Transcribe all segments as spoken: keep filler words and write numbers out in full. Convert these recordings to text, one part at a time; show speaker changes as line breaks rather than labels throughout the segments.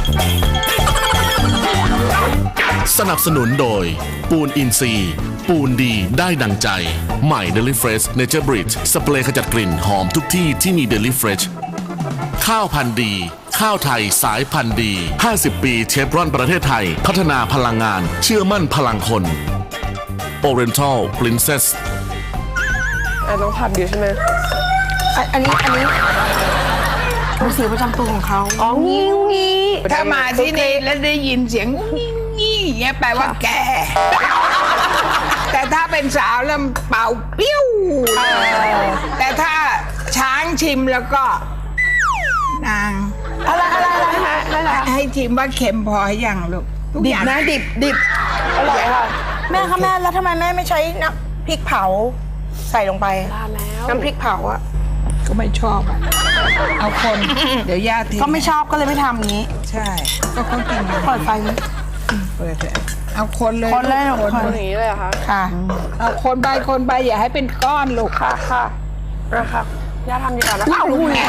สนับสนุนโดยปูนอินซีย์ปูนดีได้ดังใจใหม่ Deli Fresh Nature Bridge สเปรย์ขจัดกลิ่นหอมทุกที่ที่มี Deli Fresh ข้าวพันธุ์ดีข้าวไทยสายพันธุ์ดีห้าสิบปีเชฟรอนประเทศไทยพัฒนาพลังงานเชื่อมั่นพลังคน Oriental Princess
อ่ะต้องผัดอยู่ใช่ไหม
อันนี้อันนี้เป็นเสียงประจำตัวของเขา
อ๋องี้งี้
ถ้ามาที่นี่แล้วได้ยินเสียงงี้อย่างเงี้ยแปลว่าแก่ แต่ถ้าเป็นสาวแล้วเป่าปิ้วแต่ถ้าช้างชิมแล้วก็นาง
อะไรอะไรอะไร
อะไรให้ชิมว่าเค็มพออย่างลูกทุก
ดิ
อบ ย่าง
นะดิบดิบ
อร่อยค่ะ
แม่คะแม่แล้วทำไมแม่ไม่ใช้น้ำพริกเผาใส่ลงไป
ทานแล้ว
น้ำพริกเผาอะ
ก็ไม่ชอบอ่ะเอาคน เดี๋ยวย่าทิ้ง
ก็ไม่ชอบก็เลยไม่ทำอย่างนี้
ใช่ ก็เขากินกัน
เปิดไฟนี้
เปิดเถอะเอาคนเลย
คนเลย
คน
คน
อย่างนี้เลยเหรอคะ
ค่ะ
เอาคนไปคนไปอย่าให้เป็นก้อนลูก
ค่ะค่ะนะคะย่าทำดีกว่านะ
ว้าว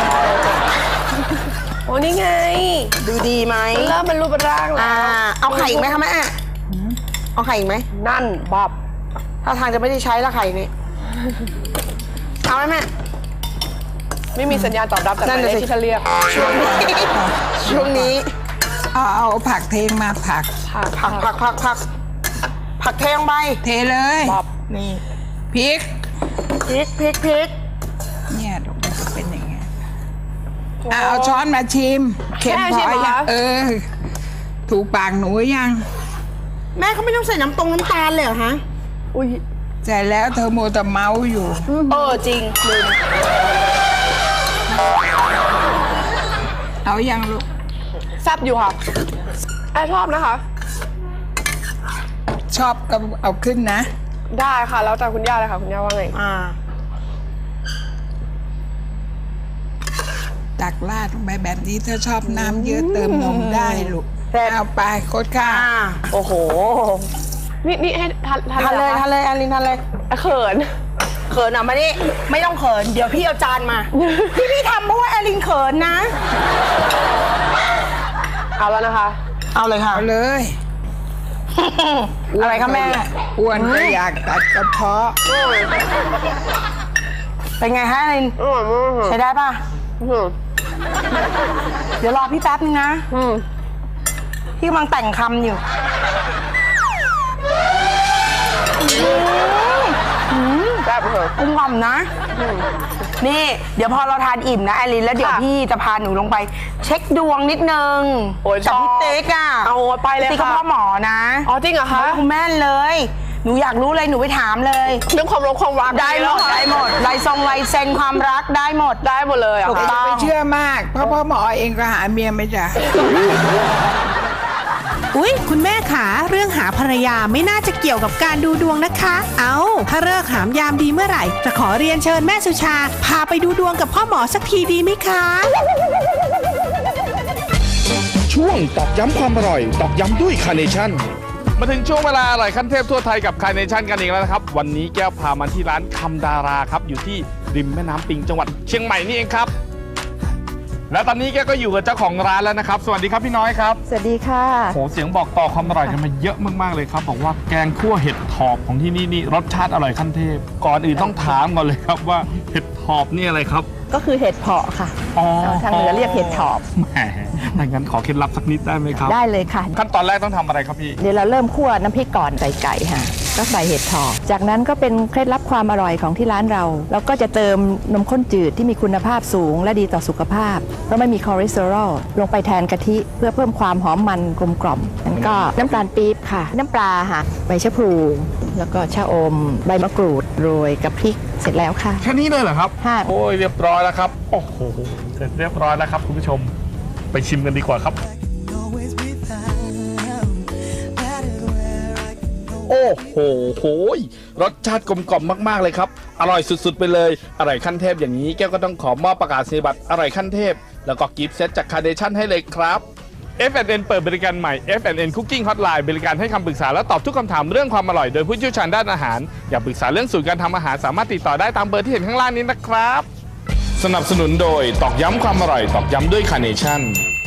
โอ้นี่ไง
ดูดีไหม
เริ่มเป็นรูปเป็นร่างแล้
อ่าว เอาไข่อีกไหมคะแม่เอาไข่อีกไหม
นั่นบอบ
ถ้าทางจะไม่ได้ใช้ละไข่นี่เอาไหมแม่
ไม่มีสัญญาณตอบรับจากห
นั่
มาน ย
น่ะ
เลข
สิ
ที่ฉันเรียก
ช่วงนี้ช่วงนี้
เอาเอาผักเทงมาผัก
ค่ะ
ผักผักผักผักผักเทลงไป
เทเลย
บอบ
นี่
พริก
พริกพริกพริก
เนี่ยลูกมันจะเป็นอย่างเงี้ยอ่ะเอาช้อนมาชิมเค็มพอยังเออ ถูกปากหนูยัง
แม่เขาไม่ต้องใส่น้ำตรงน้ำตาลเลยเหรอฮะ
อุ้ย
เสร็จแล้วเธอโมวแต่เมาส์อยู่
เออจริงลืม
เอายังลูก
แซ่บอยู่ค่ะแอร์ชอบนะคะ
ชอบก็เอาขึ้นนะ
ได้ค่ะ แล้วแต่คุณย่าเลยค่ะ คุณย่าว่าไง
อ่า
ตักราดลงไปแบบนี้ถ้าชอบน้ำเยอะเติมนมได้ลูกเอาไปโคตรข้า
อ่าโอ้โห
นี่นี่ให้ทาน
ทานเลย
หรอ
ทานเลยอันลินทานเลย
คะเขิน
เขินอ่ะมาดิไม่ต้องเขินเดี๋ยวพี่เอาจานมา พี่พี่ทำเพราะว่าแอลินเขินนะ
เอาแล้วนะคะ
เอาเลยค่ะ
เอาเลย
อะไรคะแม่
อ้วนก็อยากตัดกระเพาะ
เป็นไงฮะแอลิน
อร่อยมากค่ะ
ใช้ได้ป่ะ
อืม
เดี๋ยวรอพี่แป๊บนึงนะ
อืม
พี่กำลังแต่งคำอยู่
แซ่บค่ะ
กุ้งหอมนะ นี่ เดี๋ยวพอเราทานอิ่มนะแอลินแล้วเดี๋ยว
ค่ะ
พี่จะพาหนูลงไป เช็คดวงนิดนึง
โอ้ย
กับพี่
ชอบ
ติ๊กอ่ะ
เอาไปเลย
ติ๊กก็
ค่ะ
พ่อหมอนะ
อ๋อจริงเหรอคะ
คุณแม่นเลย หนูอยากรู้เลยหนูไปถามเลย
เรื่องความรักความรัก
ได้หมดได้หมดลายทรงลายเซ็นความรักได้หมด
ได้หมดเลยเหร
ถู
อ่ะ
กต้อง
ไม่เชื่อมาก เพราะพ่อหมอเองก็หาเมียไม่จ้ะ
อุ๊ย คุณแม่ขาเรื่องหาภรรยาไม่น่าจะเกี่ยวกับการดูดวงนะคะ เอาถ้าเลิกหามยามดีเมื่อไหร่ จะขอเรียนเชิญแม่สุชา พาไปดูดวงกับพ่อหมอสักทีดีไหมคะ
ช่วงตอกย้ำความอร่อย ตอกย้ำด้วยคาร์เนชั่น
มาถึงช่วงเวลาอร่อยขั้นเทพทั่วไทยกับคาร์เนชั่นกันอีกแล้วนะครับ วันนี้แก้วพามาที่ร้านคำดาราครับ อยู่ที่ริมแม่น้ำปิงจังหวัดเชียงใหม่นี่เองครับ และตอนนี้แก้วก็อยู่กับเจ้าของร้านแล้วนะครับ สวัสดีครับพี่น้อยครับ
สวัสดีค่ะ
โหเสียงบอกต่อความอร่อยกันมาเยอะมากๆเลยครับบอกว่าแกงคั่วเห็ดถอบของที่นี่นี่รสชาติอร่อยขั้นเทพ ก่อนอื่นต้องถามก่อนเลยครับว่าเห็ดถอบนี่อะไรครับ
ก็คือเห็ดเผาะค่ะ
อ๋อ
ทางเหนือเรียกเห็ดถอบ
แหมถ้างั้นขอเคล็ดลับสักนิดได้ไหมครับ
ได้เลยค่ะ
ขั้นตอนแรกต้องทำอะไรครับพี่
เดี๋ยวเราเริ่มคั่วน้ำพริกก่อนใส่ไก่ค่ะก็ใส่เห็ดถอบจากนั้นก็เป็นเคล็ดลับความอร่อยของที่ร้านเราเราก็จะเติมนมข้นจืดที่มีคุณภาพสูงและดีต่อสุขภาพเพราะไม่มีคอเลสเตอรอลลงไปแทนกะทิเพื่อเพิ่มความหอมมันกลมกล่อมแล้วก็น้ำตาลปี๊บค่ะ น้ำปลาค่ะใบชะพลูแล้วก็ชะอม ใบมะกรูดโรยกับพริกเสร็จแล้วค่ะ
แค่นี้เลยเหรอครับ
ค่ะ
โอ้ยเรียบร้อยแล้วครับ โอ้โห เสร็จเรียบร้อยแล้วครับคุณผู้ชม ไปชิมกันดีกว่าครับ โอ้โหโหยรสชาติกลมกล่อมมากๆเลยครับ อร่อยสุดๆไปเลย อร่อยขั้นเทพอย่างนี้แก้วก็ต้องขอมอบประกาศนียบัตรอร่อยขั้นเทพ แล้วก็กิฟต์เซตจากคาร์เนชั่นให้เลยครับ เอฟ แอนด์ เอ็น เปิดบริการใหม่ เอฟ แอนด์ เอ็น Cooking Hotline บริการให้คำปรึกษาและตอบทุกคำถามเรื่องความอร่อยโดยผู้เชี่ยวชาญด้านอาหาร อยากปรึกษาเรื่องสูตรการทำอาหารสามารถติดต่อได้ตามเบอร์ที่เห็นข้างล่างนี้นะครับ สนับสนุนโดยตอกย้ำความอร่อยตอกย้ำด้วยคาร์เนชั่น